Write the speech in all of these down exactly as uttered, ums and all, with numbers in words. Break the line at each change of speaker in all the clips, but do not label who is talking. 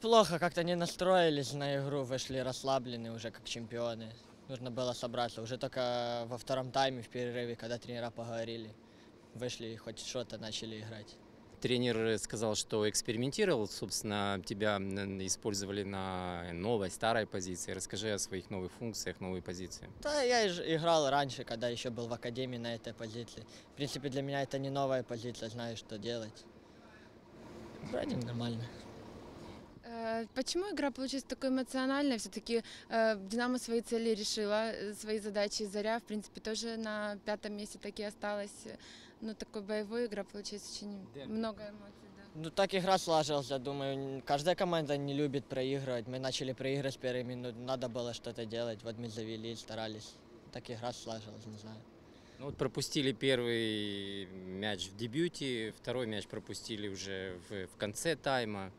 Плохо как-то не настроились на игру, вышли расслабленные уже как чемпионы. Нужно было собраться. Уже только во втором тайме в перерыве, когда тренера поговорили, вышли и хоть что-то начали играть.
Тренер сказал, что экспериментировал, собственно, тебя использовали на новой, старой позиции. Расскажи о своих новых функциях, новой позиции.
Да, я играл раньше, когда еще был в академии на этой позиции. В принципе, для меня это не новая позиция, знаю, что делать. Вроде нормально.
Почему игра получилась такой эмоциональной? Все-таки э, Динамо свои цели решила, свои задачи. Заря, в принципе, тоже на пятом месте так и осталась. Ну, такой боевой игра получилась, очень Дерби. Много эмоций. Да.
Ну, так игра сложилась, я думаю. Каждая команда не любит проигрывать. Мы начали проигрывать с первой минуты, надо было что-то делать. Вот мы завели, старались. Так игра сложилась, не знаю.
Ну, вот пропустили первый мяч в дебюте, второй мяч пропустили уже в, в конце тайма.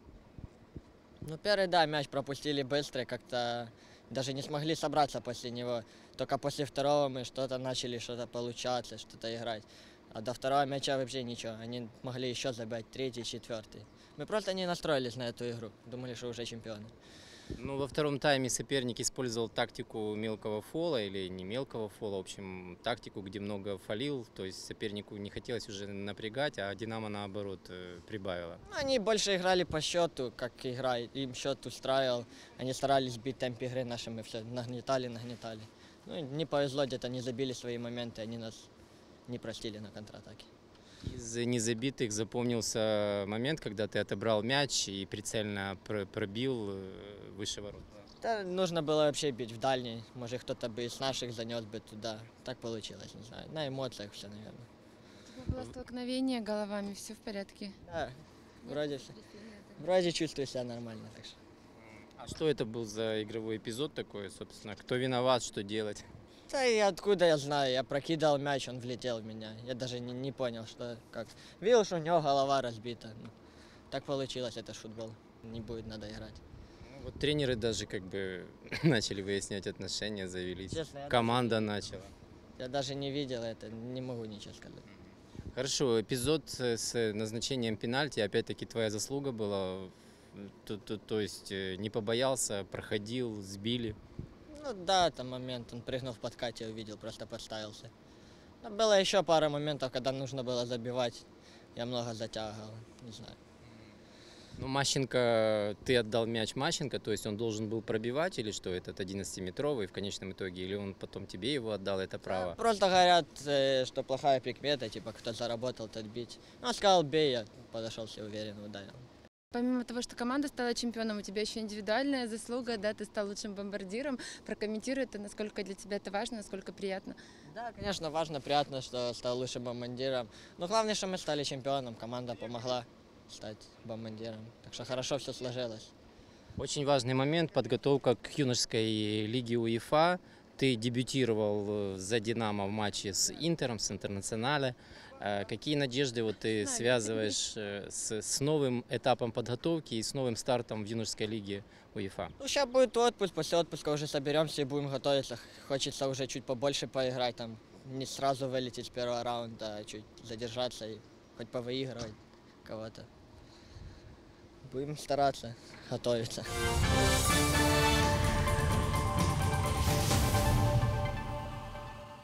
Ну, первый, да, мяч пропустили быстро, как-то даже не смогли собраться после него. Только после второго мы что-то начали, что-то получаться, что-то играть. А до второго мяча вообще ничего. Они могли еще забить третий, четвертый. Мы просто не настроились на эту игру. Думали, что уже чемпионы.
Ну, во втором тайме соперник использовал тактику мелкого фола или не мелкого фола, в общем, тактику, где много фолил, то есть сопернику не хотелось уже напрягать, а Динамо, наоборот, прибавила.
Они больше играли по счету, как игра, им счет устраивал, они старались бить темп игры наши, мы все нагнетали, нагнетали. Ну, не повезло, где-то не забили свои моменты, они нас не простили на контратаке.
Из незабитых запомнился момент, когда ты отобрал мяч и прицельно пробил выше ворот.
Да, нужно было вообще бить в дальний. Может, кто-то бы из наших занес бы туда. Так получилось, не знаю. На эмоциях все, наверное.
У тебя было столкновение головами, все в порядке?
Да, вроде все. Вроде чувствую себя нормально. Так что.
А что это был за игровой эпизод такой, собственно? Кто виноват, что делать?
Да и откуда я знаю, я прокидал мяч, он влетел в меня. Я даже не, не понял, что как. Видел, что у него голова разбита. Ну, так получилось, это футбол. Не будет, надо играть.
Ну, вот тренеры даже как бы начали выяснять отношения, завелись.
Честно,
команда
даже,
начала.
Я даже не видел это, не могу ничего сказать.
Хорошо, эпизод с назначением пенальти, опять-таки твоя заслуга была. То, то, то есть не побоялся, проходил, сбили.
Ну да, там момент, он прыгнул в подкате, увидел, просто подставился. Но было еще пара моментов, когда нужно было забивать. Я много затягивал, не знаю.
Ну, Мащенко, ты отдал мяч Мащенко, то есть он должен был пробивать или что, этот одиннадцатиметровый в конечном итоге, или он потом тебе его отдал, это право?
Да, просто говорят, что плохая прикмета, типа кто заработал, тот бить. Ну, он сказал, бей, я подошел все уверенно, ударил.
Помимо того, что команда стала чемпионом, у тебя еще индивидуальная заслуга, да, ты стал лучшим бомбардиром. Прокомментируй это, насколько для тебя это важно, насколько приятно.
Да, конечно, важно, приятно, что стал лучшим бомбардиром. Но главное, что мы стали чемпионом, команда помогла стать бомбардиром. Так что хорошо все сложилось.
Очень важный момент, подготовка к юношеской лиге УЕФА. Ты дебютировал за «Динамо» в матче с «Интером», с «Интернационале». Какие надежды вот ты связываешь с, с новым этапом подготовки и с новым стартом в юношеской лиге УЕФА?
Ну, сейчас будет отпуск, после отпуска уже соберемся и будем готовиться. Хочется уже чуть побольше поиграть, там, не сразу вылететь с первого раунда, а чуть задержаться и хоть повыигрывать кого-то. Будем стараться готовиться.